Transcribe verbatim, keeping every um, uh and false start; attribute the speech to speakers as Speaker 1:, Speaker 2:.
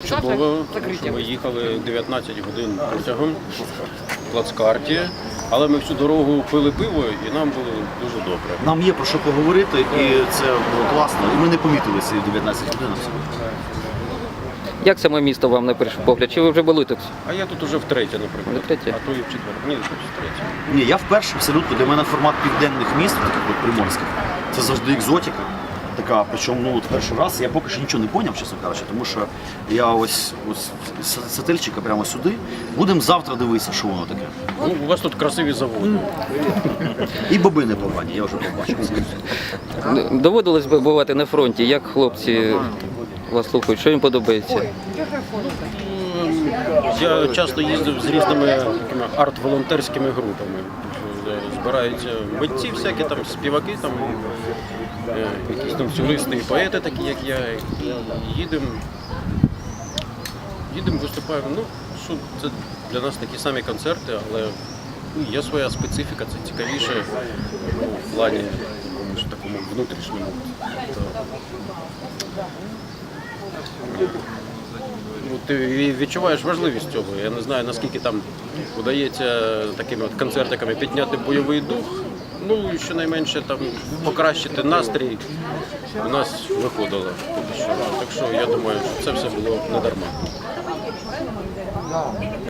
Speaker 1: чудово, тому що ми їхали дев'ятнадцять годин потягом в плацкарті, але ми всю дорогу пили пиво і нам було дуже добре.
Speaker 2: Нам є про що поговорити, і це було класно. І ми не помітили ці дев'ятнадцять годин.
Speaker 3: Як саме місто вам на перший погляд? Чи ви вже були тут?
Speaker 1: А я тут уже втретє, наприклад.
Speaker 3: Втретє?
Speaker 1: А то і в четверте. Ні, тут втретє.
Speaker 2: Ні, я вперше абсолютно, для мене формат південних міст, таких от приморських, це завжди екзотика. Така, причому ну, от перший раз я поки що нічого не поняв, чесно кажучи, тому що я ось, ось з сательчика прямо сюди. Будемо завтра дивитися, що воно таке.
Speaker 1: Ну, у вас тут красиві заводи.
Speaker 2: І боби непогані, я вже побачив.
Speaker 3: Доводилось би бувати на фронті. Як хлопці вас слухають? Що їм подобається?
Speaker 1: Я часто їздив з різними такими арт-волонтерськими групами. Збираються митці всякі, там, співаки, там, е, якісь танцюристи і поети, такі як я. І їдемо, їдемо, виступаємо. Ну, що це для нас такі самі концерти, але ну, є своя специфіка, це цікавіше ну, в плані якомусь такому внутрішньому. Ну, ти відчуваєш важливість цього. Я не знаю, наскільки там вдається такими от концертиками підняти бойовий дух. Ну і щонайменше там покращити настрій у нас виходило поки що. Так що я думаю, що це все було не дарма.